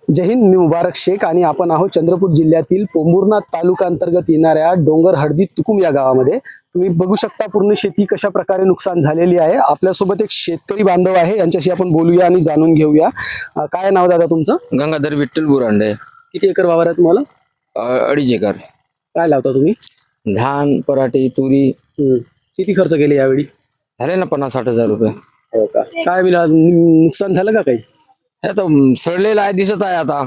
जय हिंद, मी मुबारक शेख आणि आपण आहोत चंद्रपूर जिल्ह्यातील पोंभुर्णा तालुका अंतर्गत येणाऱ्या डोंगर हळदी तुकुम या गावामध्ये। तुम्ही बघू शकता पूर्ण शेती कशा प्रकारे नुकसान झालेली आहे। आपल्यासोबत एक शेतकरी बांधव आहे, यांच्याशी आपण बोलूया आणि जाणून घेऊया। काय नाव दादा तुमचं? गंगाधर विठ्ठल बुरांडे। किती एकर वावर आहे तुम्हाला? 2.5 एकर। काय लावता तुम्ही? धान, पराठी, तुरी। किती खर्च केले यावेळी? झाले ना 50-60 हजार रुपये। हो का? काय मिळालं? नुकसान झालं का काही? हे तर सडलेलं आहे, दिसत आहे आता।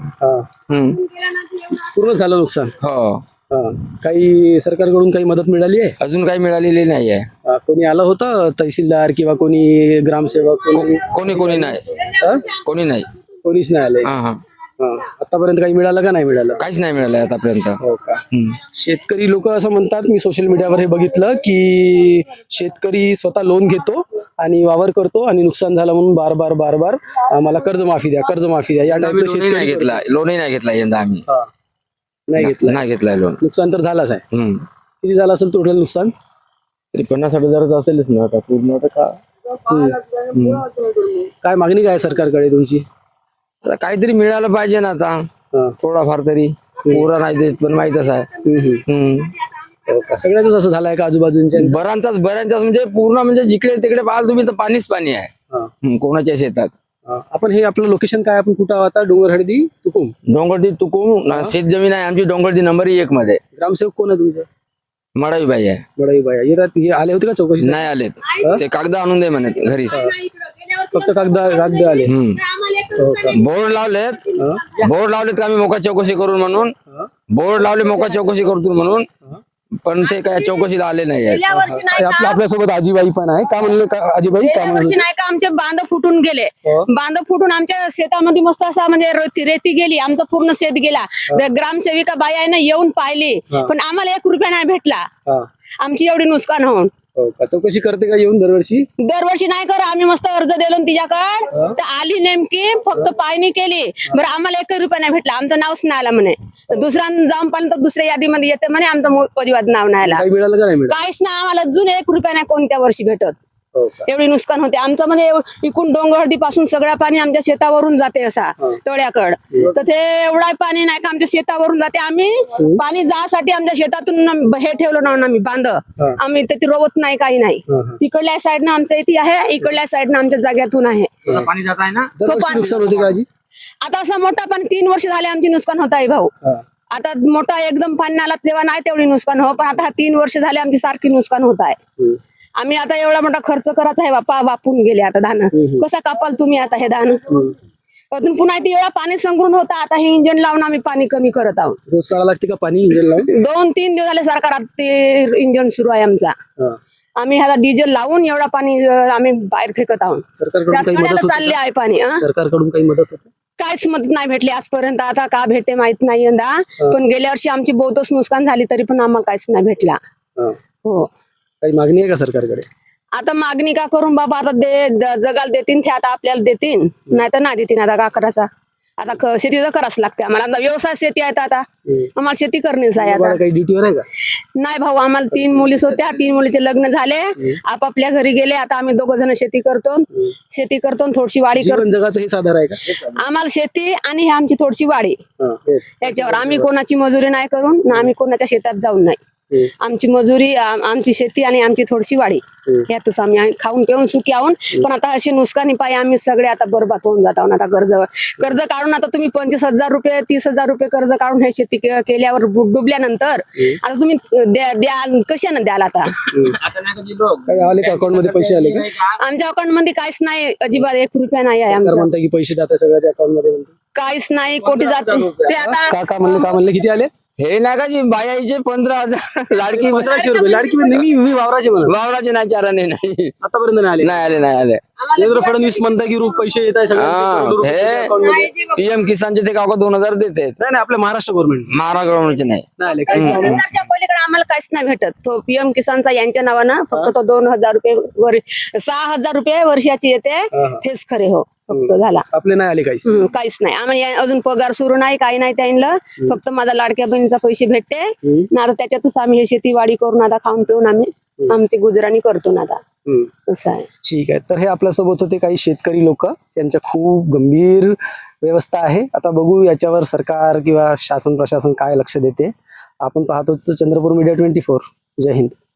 पूर्ण झालं नुकसान? हो। काही सरकारकडून काही मदत मिळाली आहे? अजून काही मिळालेली नाही आहे। कोणी आलं होतं, तहसीलदार किंवा कोणी ग्रामसेवक? कोणी नाही। कोणीच नाही आले? आतापर्यंत काही मिळालं का नाही मिळालं? काहीच नाही मिळालं आतापर्यंत। हो का? शेतकरी लोक असं म्हणतात, मी सोशल मीडियावर हे बघितलं की शेतकरी स्वतः लोन घेतो आणि वावर करतो आणि नुकसान झालं म्हणून बार बार आम्हाला कर्जमाफी द्या या टाइपला शेतकरी घेतला, लोनही नाही घेतला यंदा आम्ही। नाही घेतलाय लोन। नुकसान तर झालंच आहे। किती झालं असेल टोटल नुकसान? तरी 50-60 हजाराचं असेलच ना आता पूर्ण। आता काय मागणी काय सरकारकडे तुमची? आता काहीतरी मिळालं पाहिजे ना आता, थोडाफार तरी। पुरा नाही देत पण माहीतच आहे। सगळ्याच असं झालंय का आजूबाजूच्या? बऱ्यांचाच म्हणजे पूर्ण, म्हणजे जिकडे तिकडे पाहाल तुम्ही तर पाणी आहे कोणाच्या शेतात। आपण हे आपलं लोकेशन काय? आपण कुठं आहोत आता? डोंगर हळदी तुकुम? डोंगरडी तुकुम शेत जमीन आहे आमची, डोंगरडी नंबर 1 मध्ये। ग्रामसेवक कोण आहे तुमचं? मडाईबाई आहे। मडाईबाई येतात? हे आले होते का चौकशी? नाही आलेत, ते कागद आणून दे म्हणत घरी। फक्त कागद आले? बोर्ड लावलेत का आम्ही मोका चौकशी करून म्हणून। बोर्ड लावले मोका चौकशी करतो म्हणून, पण ते काय चौकशीला आले नाही आहेत। आपल्यासोबत आजीबाई पण आहे। का म्हणलं आजीबाई? गेल्या वर्षी नाही का आमचे बांध फुटून गेले? बांध फुटून आमच्या शेतामध्ये मस्त असा म्हणजे रेती गेली, आमचं पूर्ण शेत गेला। ग्रामसेविका बाई आहे ना, येऊन पाहिली, पण आम्हाला 1 रुपया नाही भेटला। आमची एवढी नुकसान होऊन। चौकशी करते का येऊन दरवर्षी? दरवर्षी नाही कर, आम्ही मस्त अर्ज दिलो तिच्याकडे, तर आली नेमकी, फक्त पाहणी केली। बरं, आम्हाला 1 रुपया नाही भेटला, आमचं नावच नाही आलं म्हणे। दुसऱ्या जाऊन पाहिलं तर दुसऱ्या यादीमध्ये येते म्हणे, आमचं परिवार नाव नाही आलं। मिळालं का नाही? काहीच नाही आम्हाला अजून 1 रुपया नाही कोणत्या वर्षी भेटत। एवढी नुकसान होते आमचं, म्हणजे इकून डोंगरहळदी पासून सगळं पाणी आमच्या शेतावरून जाते असा तळ्याकड, तर ते एवढा पाणी नाही का आमच्या शेतावरून जाते। आम्ही पाणी जासाठी आमच्या शेतातून हे ठेवलं ना आम्ही बांध, आम्ही ते रोवत नाही, काही नाही। तिकडल्या साईडनं आमच्या इथे आहे, इकडल्या साईडनं आमच्या जाग्यातून आहे। पाणी जात आहे ना, नुकसान होते का आजी? आता असं मोठा पण 3 वर्ष झाले आमची नुकसान होत आहे भाऊ। आता मोठा एकदम पाणी आला तेव्हा नाही तेवढी नुकसान हो, पण आता 3 वर्ष झाले आमची सारखी नुकसान होत आहे। आम्ही आता एवढा मोठा खर्च करत आहे, वापून गेले आता धान। कसा कापाल तुम्ही आता हे धान? अजून पुन्हा एवढा पाणी संग्रहण होता, आता हे इंजन लावून आम्ही पाणी कमी करत आहोत। रोज काढा लागते का पाणी इंजन लावून? 2-3 दिवस झाले सरकारात ते इंजन सुरू आहे आमचा। आम्ही आता डिझेल लावून एवढा पाणी आम्ही बाहेर फेकत आहोत। सरकारकडून काही मदत चालली आहे पाणी? सरकारकडून काही मदत होते? काहीच मदत नाही भेटली आजपर्यंत, आता का भेटते माहित नाही यंदा, पण गेल्या वर्षी आमची बहुतच नुकसान झाली, तरी पण आम्हाला काहीच नाही भेटला। हो, काही मागणी आहे का सरकारकडे? आता मागणी का करून बाबा, आता जगाला देतील ते, आता आपल्याला देतील, नाही तर नाही देतील। आता का करायचा? आता शेती तर करावंच लागते आम्हाला। आता व्यवसाय शेती आहे, आता आम्हाला शेती करणेच आहे। आता काही ड्युटीवर आहे का? नाही भाऊ, आम्हाला 3 मुलीच होत्या, 3 मुलीचे लग्न झाले, आपापल्या घरी गेले। आता आम्ही 2 जण शेती करतो, थोडीशी वाडी करतो। जगाचं हे साधार आहे का? आम्हाला शेती आणि आमची थोडीशी वाडी, याच्यावर आम्ही कोणाची मजुरी नाही करून ना, आम्ही कोणाच्या शेतात जाऊन नाही। आमची मजुरी, आमची शेती आणि आमची थोडीशी वाडी, यातच आम्ही खाऊन पिऊन सुखी आहोत। पण आता अशी नुकसानी पायी आम्ही सगळे आता बरबाद होऊन जात आहोत। आता कर्ज काढून, आता तुम्ही 25,000 रुपये 30,000 रुपये कर्ज काढून हे शेती केल्यावर डुबल्यानंतर आता तुम्ही द्याल कशाने द्याल? आता काही आले का अकाउंट मध्ये? पैसे आले का? आमच्या अकाउंट मध्ये काहीच नाही, अजिबात 1 रुपया नाही आहे आमच्या। म्हणता की पैसे जातात सगळ्याच्या अकाउंट मध्ये? काहीच नाही, कोटी जाते ते। आता का म्हणले किती आले? हे नाही का जी बायाचे 15,000 लाडकी 1500 रुपये लाडकी मी वावराचे वावराचे नाही, चाराने नाही, आतापर्यंत नाही आले। देवेंद्र फडणवीस म्हणता की पैसे येत आहे सगळ्यांचे, PM किसानचे ते का 2,000 देते? नाही, आपल्या महाराष्ट्र गव्हर्नमेंटचे नाही। पलीकडे आम्हाला काहीच नाही भेटत। तो PM किसानचा यांच्या नावानं फक्त तो 2,000 रुपये 6,000 रुपये वर्षाची येते, तेच खरे हो फक्त झाला। आपले नाही आले काहीच नाही आम्हाला, अजून पगार सुरू नाही, काही नाही त्यांना। फक्त माझा लाडक्या बहिणीचा पैसे भेटते ना, आता त्याच्यातच आम्ही हे शेतीवाडी करून आता खाऊन पिऊन आम्ही आमची गुजराणी करतो ना आता। असं आहे। ठीक आहे, तर हे आपल्यासोबत होते काही शेतकरी लोक, त्यांच्या खूप गंभीर व्यवस्था आहे. आता बघू याच्यावर सरकार किंवा शासन प्रशासन काय लक्ष देते. आपण पाहतोच चंद्रपूर मीडिया 24. जय हिंद.